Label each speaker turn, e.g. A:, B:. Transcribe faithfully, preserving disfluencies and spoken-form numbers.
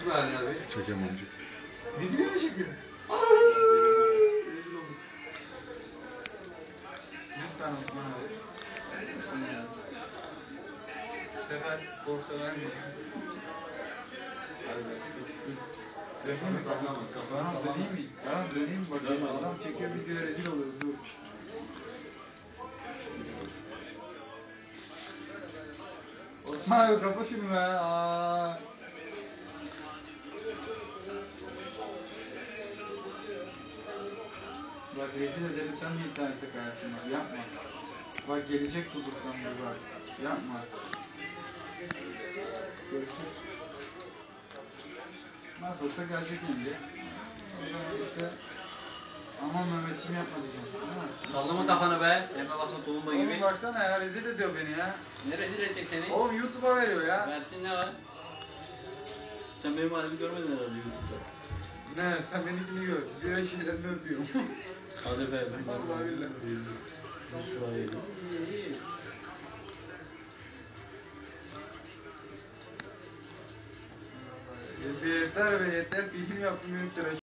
A: Çek ver ya bir.
B: Çekemem.
A: Video mu çekiyor?
C: Lütfen Osman abi. Lütfen ya. Bu sefer borsa vermeyeceğim.
A: Telefonu sallama. Kafanı
C: Bana
A: sallama.
C: döneyim mi? Bana döneyim mi? Bakayım adam çekiyor videoya rezil oluyoruz. Dur. Osman abi kapa şunu be. Aa. Bak rezil ederim sen de internette kayarsın bak yapma. Bak gelecek bulursan bir bak. Yapma. Görüşürüz. Nasıl olsa gelecek yenge. O zaman işte aman Mehmetciğim yapma diyeceğim. Değil mi?
D: Sallama kafanı be. Elime basma tulumba gibi.
C: Oğlum baksana ya rezil ediyor beni ya.
D: Ne rezil edecek seni?
C: Oğlum YouTube'a veriyor ya.
D: Versin ne var? Sen benim halimi görmedin herhalde YouTube'da.
C: Ne sen benimkini gör. Diğer şeylerini öpüyorum.
D: Hadi be. Ben
C: Vallahi billahi.
D: Şuraya yedim.
C: Yeter be yeter. Film yaptım benim tıraş.